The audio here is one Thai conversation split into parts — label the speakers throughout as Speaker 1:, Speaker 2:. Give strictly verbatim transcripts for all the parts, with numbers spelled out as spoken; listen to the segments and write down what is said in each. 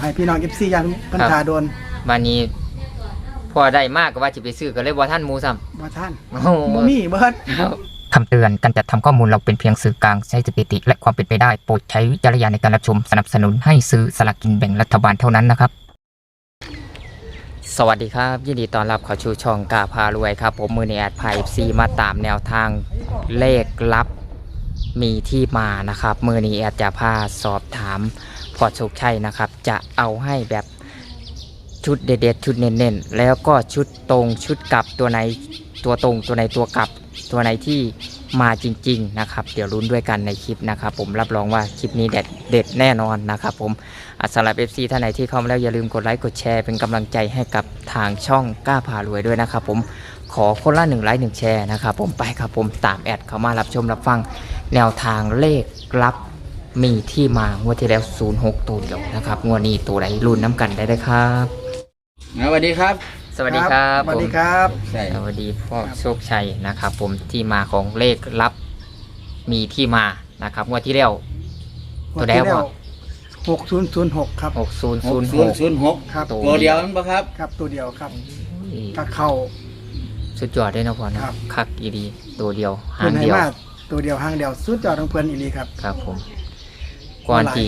Speaker 1: ให้พี่น้อง เอฟ ซี ยังพันธาโดน
Speaker 2: วันนี้พอได้มากก็ว่าจะไปซื้อก็เลยบ่ท่านหมูซ้ำ
Speaker 1: บ่ท่านบ่มีเบิด
Speaker 3: คำเตือนการจัดทำข้อมูลเราเป็นเพียงสื่อกลางใช้สถิติและความเป็นไปได้โปรดใช้วิจารณญาณในการรับชมสนับสนุนให้ซื้อสลากกินแบ่งรัฐบาลเท่านั้นนะครับ
Speaker 2: สวัสดีครับยินดีต้อนรับเข้าสู่ช่องกาพารวยครับผมมือในแอดไพซีมาตามแนวทางเลขลับมีที่มานะครับมือนี้แอดจะพาสอบถามพอโชคชัยนะครับจะเอาให้แบบชุดเด็ดๆชุดเน้นๆแล้วก็ชุดตรงชุดกลับตัวไหนตัวตรงตัวไหนตัวกลับตัวไหนที่มาจริงๆนะครับเดี๋ยวลุ้นด้วยกันในคลิปนะครับผมรับรองว่าคลิปนี้เด็ดเด็ดแน่นอนนะครับผมสำหรับ เอฟ ซี ท่านไหนที่เข้ามาแล้วอย่าลืมกดไลค์กดแชร์เป็นกำลังใจให้กับทางช่องกล้าพารวยด้วยนะครับผมขอคนละหนึ่งไลค์หนึ่งแชร์นะครับผมไปครับผมตามแอดเข้ามารับชมรับฟังแนวทางเลขลับมีที่มางวดที่แล้วศูนย์หกตัวเดียวนะครับงวดนี้ตัวไหนลุ้นน้ำกันได้เลยครับ
Speaker 4: สวัสดีครับ
Speaker 2: สวัสดีครับ
Speaker 1: สวัสดีครับ
Speaker 2: สวัสดีพ่อโชคชัยนะครับผมที่มาของเลขลับมีที่มานะครับงวดที่แล้วตัวแล้ว
Speaker 1: หกศูนย์ศูนย์หกครับ
Speaker 2: หกศูนย์ศูนย์หก
Speaker 4: ศูนย์หก
Speaker 1: ครับ
Speaker 4: ตัวเดียวนั่นปะครับ
Speaker 1: ครับตัวเดียวครับถ้าเข้า
Speaker 2: สุดยอดได้นะพ่อนะคักอีดีตัวเดียวหางเดียว
Speaker 1: ตัวเดียวหางเดียวสุดยอดของเพื่อนอีดีครับ
Speaker 2: ครับผมก่อนที่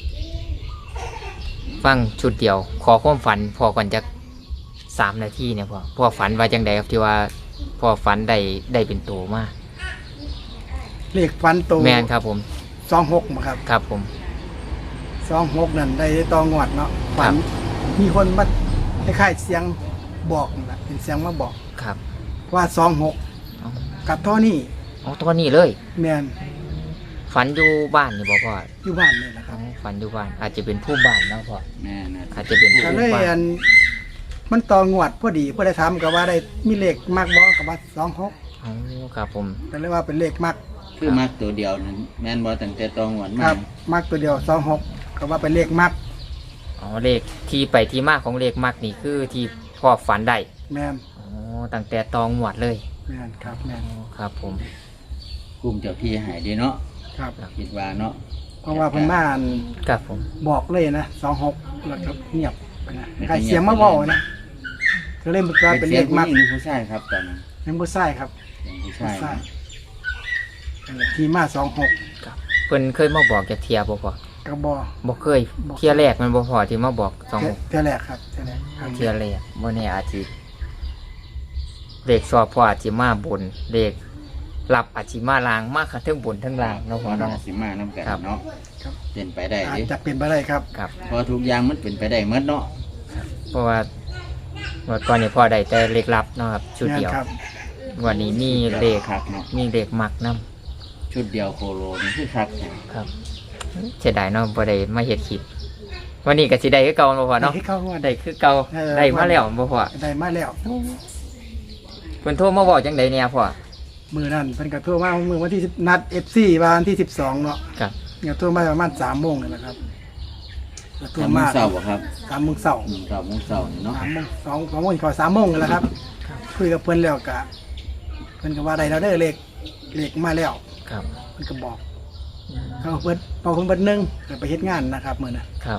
Speaker 2: ฟังชุดเดียวขอความฝันพอก่อนจะสามนาทีเนี่ยพ่อพ่อฝันว่าจังใดครับที่ว่าพ่อฝันได้ได้เป็นตัวมาก
Speaker 1: เลขฝันตัว
Speaker 2: แมนครับผม
Speaker 1: สองหกครับ
Speaker 2: ครับผม
Speaker 1: สองหกนั่นได้ตองวดเนาะฝันมีคนมาคล้ายๆเสียงบอกนะเป็นเสียงมาบอก
Speaker 2: ครับ
Speaker 1: ว่าสองหกกับท่อนี่
Speaker 2: อ๋อตัวนี้เลย
Speaker 1: แมน
Speaker 2: ฝันอยู่บ้านนี่บ่พ่อ
Speaker 1: อยู่บ้านนี่แหละครับ
Speaker 2: ฝันอยู่บ้านอาจจะเป็นผู้บ้านนะพ่อ
Speaker 4: แม่นะ
Speaker 2: อาจจะเป็นผู้บ้าน
Speaker 1: มันตองวดพอดีพอได้ทำกับว่าได้มีเลขมากบ่กับว่าสองหก
Speaker 2: อ๋อครับผม
Speaker 1: แต่เรียกว่าเป็นเลขมาก
Speaker 4: คือมากตัวเดียวนั้นแม่นบ่ตั้งแต่ตองหวด
Speaker 1: มากมากตัวเดียวสองหกกับว่าเป็นเลขมาก
Speaker 2: อ๋อเลขที่ไปที่มาของเลขมากนี่คือที่พ่อฝันได้
Speaker 1: แม่น
Speaker 2: อ๋อตั้งแต่ตองหวดเลย
Speaker 1: แม่นครับแม่น
Speaker 2: ครับผม
Speaker 4: กลุ่มเจ้าพี่หายดีเนาะ
Speaker 1: ครับ
Speaker 4: คิดว่าเนาะ
Speaker 1: เพราะว่าเพิ่นมา
Speaker 2: ครับผม
Speaker 1: บอกเลยนะสองหกแล้วก็เงียบไปนะใครเสียงมาบอกนะก็เล่นเป็นเป็นเลขมาก
Speaker 4: เป็นผู้ชายครับตอนนั้น
Speaker 1: เป็นผู้ชายครับ
Speaker 4: ผู้ชาย
Speaker 1: ทีมาสองหก
Speaker 2: เพิ่นเคยมาบอกจากเทียบ่พอ
Speaker 1: ก็บ่
Speaker 2: บ่เคยเทียแรกมันบ่พอที่มาบอกสองหก
Speaker 1: เทียแรกครับเทียแรก
Speaker 2: เทียแรกบ่แน่อาจสิเลขสอบพออาจสิมาบนเลขหลับอาจสิมาล่างมากทั้งบนทั้งล่างเนาะพอเนาะ
Speaker 4: สิมาน้ำกันเนาะเป็นไปได้
Speaker 1: ดิจะเป็นไปได้ครับ
Speaker 2: ครับ
Speaker 4: พอทุกอย่างมันเป็นไปได้หมดเนาะ
Speaker 2: เพราะว่าเมื่อก่อนนี่พ่อได้แต่เลขลับเนาะครับชุดเดียววันนี้มีเลขมีเลขมักนำ
Speaker 4: ชุดเดียวโคโลนี่คือคัก
Speaker 2: ครับเสียดายเนาะบ่ได้มาเฮ็ดคลิปวันนี้ก็สิได้คือเก่าบ่พอเนาะได้คือเก่าได้มาแล้วบ่พอ
Speaker 1: ได้มาแล้ว
Speaker 2: เพิ่นโทรมาบอกจังได๋เนี่ยพ่อ
Speaker 1: มื้อนั้นเพิ่นก็โทรมามื้อวันที่สิบนัด เอฟ ซี วันที่สิบสองเนาะ
Speaker 2: ครับ
Speaker 1: เนี่ยโทรมาประมาณ สามโมงนี่แหละครับ
Speaker 4: โทรมาเช้าบ่ครับ
Speaker 1: สามโมงเช้า
Speaker 4: สามโมงเช้าเนาะ
Speaker 1: สามโมงสอง สองโมงก็สามโมงนั่นแหละครับคุยกับเพิ่นแล้วก็เพิ่นก็ว่าได้แล้วเด้อเลขเลขมาแล้ว
Speaker 2: ครับ
Speaker 1: เพิ่นก็บอกเขาเพิ่นพอเพิ่นเบิดนึงก็ไปเฮ็ดงานนะครับมื้อน่ะ
Speaker 2: ครับ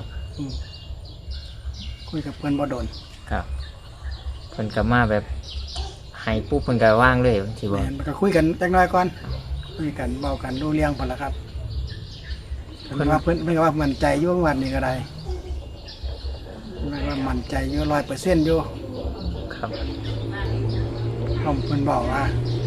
Speaker 1: คุยกับเพิ่นบ่โดน
Speaker 2: ครับเพิ่นก็มาแบบให้ปุ๊บเพิ่นก็ว่างเลยที่บ่
Speaker 1: มันก็คุยกันจักหน่อยก่อนคุยกันเว้ากันรู้เรื่องพุ่นล่ะครับเพิ่นว่าเพิ่นเพิ่นก็ว่ามั่นใจอยู่วันนี้ก็ได้เพิ่นว่ามั่นใจอยู่ ร้อยเปอร์เซ็นต์ อยู่
Speaker 2: ครับ
Speaker 1: ผมเพิ่นบอกว่า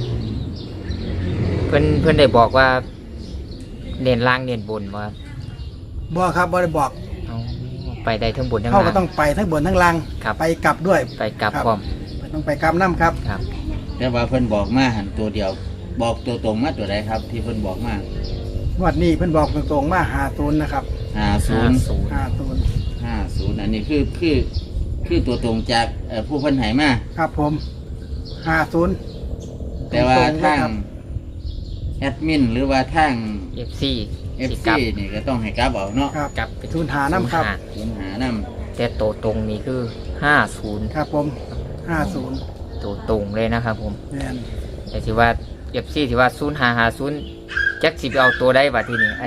Speaker 2: เพิ่นเพิ่นได้บอกว่าเน้นล่างเน้นบนบ่
Speaker 1: บ่ครับบ่ได้บอก
Speaker 2: ไปได้ทั้งบนทั้งล่าง
Speaker 1: เขาก็ต้องไปทั้งบนทั้งล่างไปกลับด้วย
Speaker 2: ไปกลับพร้อม
Speaker 1: ต้องไปกลับน้ำครับ
Speaker 2: ครับ
Speaker 4: แต่ว่าเพิ่นบอกมาหันตัวเดียวบอกตัวตรงมาตัวใดครับที่เพิ่นบอกมา
Speaker 1: วันนี้เพิ่นบอกตรงๆมาห้าศูนย์นะครับ
Speaker 4: ห้าศูนย์
Speaker 1: ห้าศูนย์
Speaker 4: ห้าศูนย์อันนี้คือคือคือตัวตรงจากผู้เพิ่นให้มา
Speaker 1: ครับผมห้าศูนย์
Speaker 4: แต่ว่าทางแอดมินหรือว่าทาง
Speaker 2: เอฟ ซี
Speaker 4: เอฟ ซี นี่ก็ต้องให้กลับเอาเนาะ
Speaker 2: กลับ
Speaker 1: ไปทุนหาน้ำครับ
Speaker 4: ทุนหาน้ำ
Speaker 2: แต่ตัวตรงนี้คือห้าศูนย์
Speaker 1: ครับผมห้าศูนย์
Speaker 2: ตัวตรงเลยนะครับผม
Speaker 1: แม่น
Speaker 2: แต่ที่ว่าเอฟซีที่ว่าศูนย์ห้าห้าศูนย์จักสิบเอาตัวได้บัดทีนี้อัน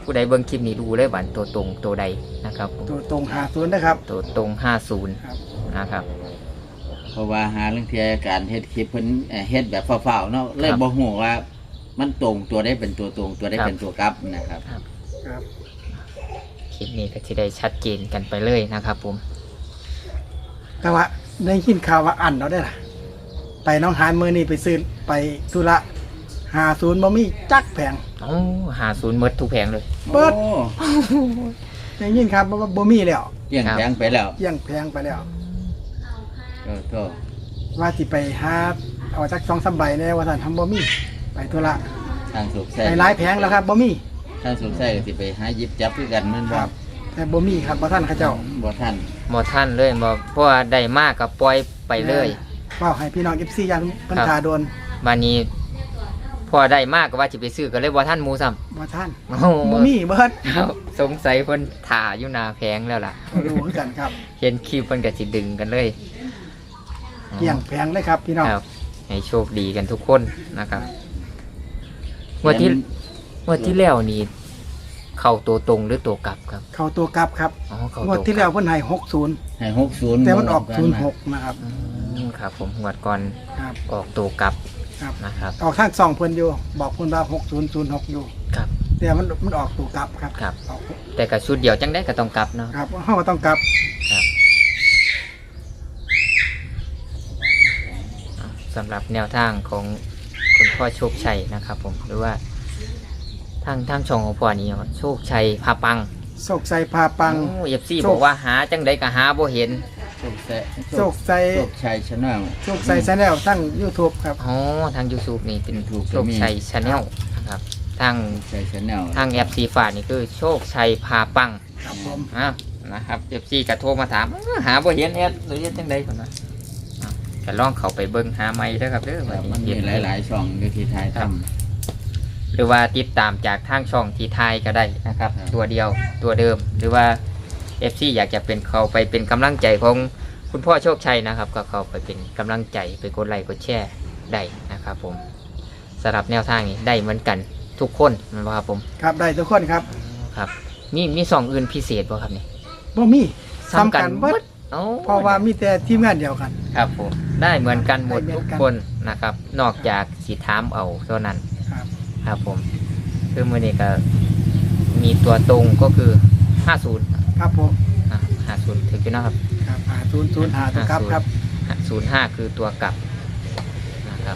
Speaker 2: ผู้ใดเบิ่งคลิปนี้ดูเลยว่าตัวตรงตัวใดนะครับผม
Speaker 1: ตัวตรงหาศูนย์นะครับ
Speaker 2: ตัวตรงห้าศูนย์
Speaker 1: ครับ
Speaker 2: นะครับ
Speaker 4: เพราะว่าหาเรื่องที่การเฮ็ดคลิปเพิ่นเอ่อเฮ็ดแบบเฝ้าๆเนาะเลยบ่ฮู้ว่ามันตรงตัวได้เป็นตัวตรงตัวได้เป็นตัวกลับนะครับ
Speaker 1: ครับ
Speaker 2: คลิปนี้ก็จะได้ชัดเจนกันไปเลยนะครับผม
Speaker 1: แต่ว่าได้ยินข่าวว่าอันเราได้ล่ะ ไปน้องหานมือนี่ไปซื้อไปธุระหาศูนย์บ่มีจักแผง
Speaker 2: โอ้หาศูนย์หมดทุกแผงเลย
Speaker 1: เบิด
Speaker 4: โอ้
Speaker 1: ได้ยินครับว่าบ่มีแล้ว
Speaker 4: เกี่ยงแพงไปแล้ว
Speaker 1: เยี่ยงแพงไปแล้ว
Speaker 4: โอ้โธ่
Speaker 1: ว่าสิไปหาเอาจักสองสามใบแน่ว่าท่านทำบ่มีไปธุระ
Speaker 4: ทางสุกใส่
Speaker 1: ไปหลายแผงแล้วครับบ่มี
Speaker 4: ทางสุกใส่ก็สิไปหาหยิบจับคือกันแมัน
Speaker 1: ค
Speaker 4: บ่
Speaker 1: รับ แต่บ่มีครับบ่ท่านเขาเจ้า
Speaker 4: บ่ทัน
Speaker 2: หมดท่านเลยบ่เพราะว่าได้มากกับปล่อยไปเลย
Speaker 1: เฝ้าให้พี่น้อง เอฟ ซี ยันเพิ่น
Speaker 2: ครับ
Speaker 1: ทาโดน
Speaker 2: บานนี้พอได้มากก็ว่าจะไปซื้อก็เลยบ่ท่านหมูซ้ำ
Speaker 1: บ่ท่าน
Speaker 2: โอ้โห
Speaker 1: บ่มีเบิด
Speaker 2: ครับสงสัยเพิ่นถ่าอยู่หนาแพงแล้วล่ะ
Speaker 1: บ่รู้คือกันครับ
Speaker 2: เห็นคลิปเพิ่นก็สิดึงกันเลย
Speaker 1: เกี่ยงแพงเลยครับพี่น้อง
Speaker 2: ครับให้โชคดีกันทุกคนนะครับงวันที่งวันที่แล้วนี่เข้าตัวตรงหรือตัวกลับครับ
Speaker 1: เข้าตัวกลับครับ
Speaker 2: อ๋อเข้าง
Speaker 1: วด
Speaker 2: ตัว
Speaker 1: ที่แล้วเพิ่นให้หกศูนย์
Speaker 4: ให้หกศูนย์
Speaker 1: แต่มันออกศูนย์หกนะครับ
Speaker 2: อืมครับผมงวดก่อน
Speaker 1: ครับ
Speaker 2: ออกตัวกลับ
Speaker 1: ครับ
Speaker 2: นะครับ
Speaker 1: ออกทางสองเพิ่นอยู่บอกเพิ่นว่าหกศูนย์ศูนย์หกอยู่
Speaker 2: ครับ
Speaker 1: แต่มันมันออกตัวกลับครับ
Speaker 2: ครับ
Speaker 1: ออก
Speaker 2: แต่กับชุดเดียวจังได้ก็ต้องกลับเนาะ
Speaker 1: ครับเฮาก็ต้องกลับ
Speaker 2: ครับอ่ะสำหรับแนวทางของคุณพ่อโชคชัยนะครับผมหรือว่าทางทางช่องของพ่อนี้ครับโชคชัยพาปัง
Speaker 1: โศกใส่พาปัง
Speaker 2: เอฟซี
Speaker 1: โชค
Speaker 2: บอกว่าหาจังใดก็หาบ่เห็น
Speaker 4: โชคใส่
Speaker 1: โศกใส่
Speaker 4: โชคชัยชาแนล
Speaker 1: โศกใส่ชาแนลทั้ง YouTube ครับ
Speaker 2: อ๋อทาง YouTube นี่เป็น
Speaker 4: YouTube
Speaker 2: โชคชัยชาแนลนะครับทาง
Speaker 4: โชคชัยชาแนล
Speaker 2: ทางแอปซีฟ้านี่คือโชคชัยพาปัง
Speaker 1: ครับผม
Speaker 2: อ่ะนะครับเอฟซีก็โทรมาถามอื้อหาบ่เห็นแอดหรือเฮ็ดจังใดก่อนนะอ่ะก็ลองเข้าไปเบิ่งหาใหม่เด้อครับเด้อว่า
Speaker 4: มันมี
Speaker 2: เห็น
Speaker 4: หลายๆช่องอยู่ที่ไทยทำ
Speaker 2: หรือว่าติดตามจากทางช่องที่ไทยก็ได้นะครับ
Speaker 4: ครับ
Speaker 2: ตัวเดียวตัวเดิม หรือว่า เอฟ ซี อยากจะเป็นเขาไปเป็นกำลังใจของคุณพ่อโชคชัยนะครับ ก็เข้าไปเป็นกำลังใจไปกดไลค์กดแชร์ได้นะครับผมสำหรับแนวทางนี้ได้เหมือนกันทุกคนนะครับผม
Speaker 1: ครับได้ทุกคนครับ
Speaker 2: ครับมีมีสองอื่นพิเศษบ่ครับนี่
Speaker 1: บ่มีซ้ำกันเบิด
Speaker 2: เอ้า
Speaker 1: เพราะว่ามีแต่ทีมงานเดียวกัน
Speaker 2: ครับผมได้เหมือนกันหมด
Speaker 1: ได้เหมื
Speaker 2: ทุ
Speaker 1: อก นกัน
Speaker 2: คนนะครับ นอกจากสีถามเอาเท่านั้น
Speaker 1: ครับ
Speaker 2: ครับผมคือมือนี้ก็มีตัวตรงก็คือห้าศูนย์
Speaker 1: ครับผม
Speaker 2: ห้าศูนย์ถึงอยู่นะครับ
Speaker 1: ครับหาศูนย์ศูนย์หาตัวกลับครับ
Speaker 2: ศูนย์ห้าคือตัวกลับนะครับ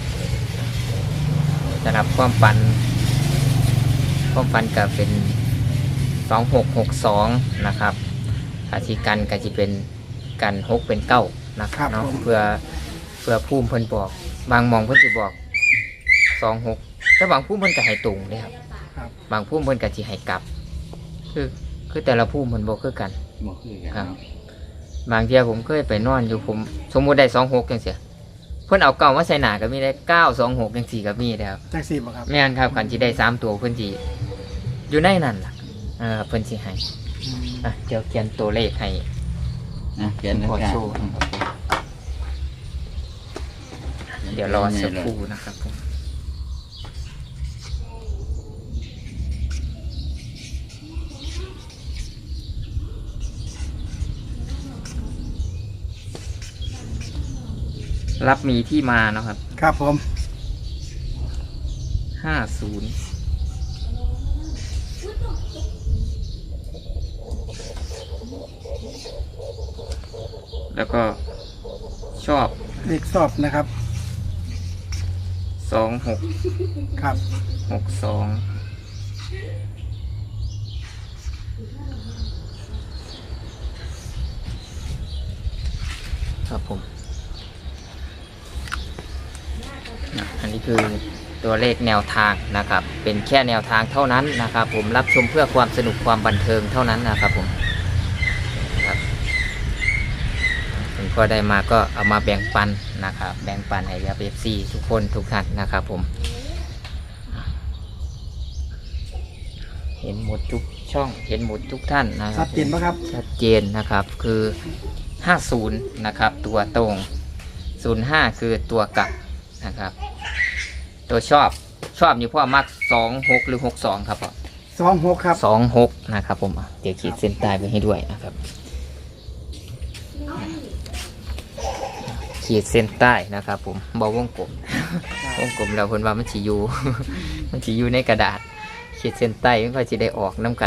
Speaker 2: สำหรับความฝันความฝันก็เป็นสองหกหกสองนะครับอาชีกันก็จะเป็นกันหกเป็นเก้านะครับเนาะเพื่อเพื่อภูมิเพิ่นบอก บางหมองเพิ่นจะบอกสองหกแต่บางภูมิเพิ่นก็ให้ตรงเลยครับ
Speaker 1: ครับ
Speaker 2: บางภูมิเพิ่นก็สิให้กลับ คือคือแต่ละภูมิเพิ่นบ่คือกัน
Speaker 4: บ่คือกัน
Speaker 2: ครับ
Speaker 4: เนาะ
Speaker 2: บางเที่ยผมเคยไปนอนอยู่ผมสมมุติได้สองหกจังเสียเพิ่นเอาเก่ามาใส่หนาก็มีได้เก้าสองหกจังสี่ก็มีนะครับ
Speaker 1: จักสี่บ่ครับ
Speaker 2: แม่นครับกันสิได้สามตัวเพิ่นสิอยู่ในนั่นล่ะเออเพิ่นสิให้
Speaker 1: อืม
Speaker 2: อ่ะเดี๋ยวเขียนตัวเลขให้
Speaker 4: นะเขียน
Speaker 2: ขอ
Speaker 4: กัน
Speaker 2: โชว์ เดี๋ยวรอสักครู่นะครับผมรับมีที่มาเนาะครับ
Speaker 1: ครับผม
Speaker 2: ห้าศูนย์แล้วก็ชอบ
Speaker 1: เลขสอบนะครับ
Speaker 2: สองหก
Speaker 1: ครับ
Speaker 2: หกสองครับผมนะอันนี้คือตัวเลขแนวทางนะครับ เป็นแค่แนวทางเท่านั้นนะครับ ผมรับชมเพื่อความสนุกความบันเทิงเท่านั้นนะครับผมครับผมก็ได้มาก็เอามาแบ่งปันนะครับ แบ่งปันให้กับเอฟซีทุกคนทุกท่านนะครับผม เห็นหมดทุกช่องเห็นหมดทุกท่านนะครั
Speaker 1: ชั
Speaker 2: บ
Speaker 1: ดเจนไหมครับ
Speaker 2: ชัดเจนนะครับคือห้าสิบนะครับตัวตรงศูนย์ห้าคือตัวกลับนะครับ ตัวชอบชอบนี่พ่อมักสองหกหรือหกสองครับพ่อ
Speaker 1: สองหกครับ
Speaker 2: สองหกนะครับผมอ่ะเดี๋ยวขีดเส้นใต้ไปให้ด้วยนะครับ ขีดเส้นใต้นะครับผมบอวงกลม วงกลมแล้วคนว่ามันฉียู มันฉียูในกระดาษ ขีดเส้นใต้มันก็จะได้ออกน้ำกัน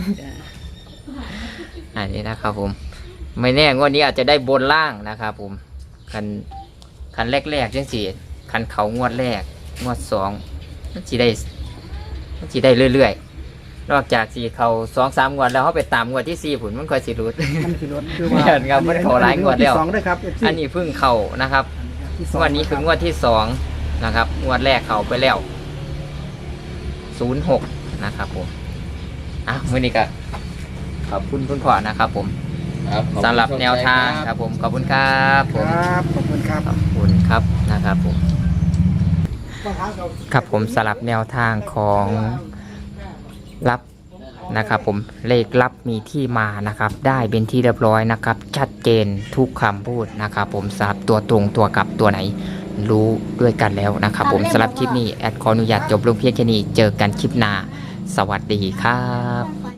Speaker 2: อันนี้นะครับผม ไม่แน่งวดนี้อาจจะได้บนล่างนะครับผมคันคันแรกๆจังสี่คันเขางวดแรกงวดสองมันจะได้มันจะได้เรื่อยๆนอกจากสี่เขาสองสามงวดแล้วเขาไปตามงวดที่สี่ผุนมันค่อยสิรุด
Speaker 1: มันคือรถคือว่า
Speaker 2: เห็นครับมันเข้าหลายงวดแล้ว
Speaker 1: ที่สองด้วยครับ
Speaker 2: อันนี้เพิ่งเข่านะครับ
Speaker 1: ที่สอง
Speaker 2: งวดนี้คืองวดที่สองนะครับงวดแรกเขาไปแล้วศูนย์หกนะครับผมอ่ะมื่อนี้ก็ขอบคุณคุณพ่อนะครับผม
Speaker 4: ครับขอณ
Speaker 2: สำหรับแนวทางครับผมขอบคุณครับผม
Speaker 1: ครับขอบคุณครับ
Speaker 2: ขอบคุณครับนะครับผมครับผมสำหรับแนวทางของรับนะครับผมเลขลับมีที่มานะครับได้เป็นที่เรียบร้อยนะครับชัดเจนทุกคำพูดนะครับผมสำหรับตัวตรงตัวกลับตัวไหนรู้ด้วยกันแล้วนะครับผมสำหรับคลิปนี้แอดขออนุญาตจบลงเพียงแค่นี้เจอกันคลิปหน้าสวัสดีครับ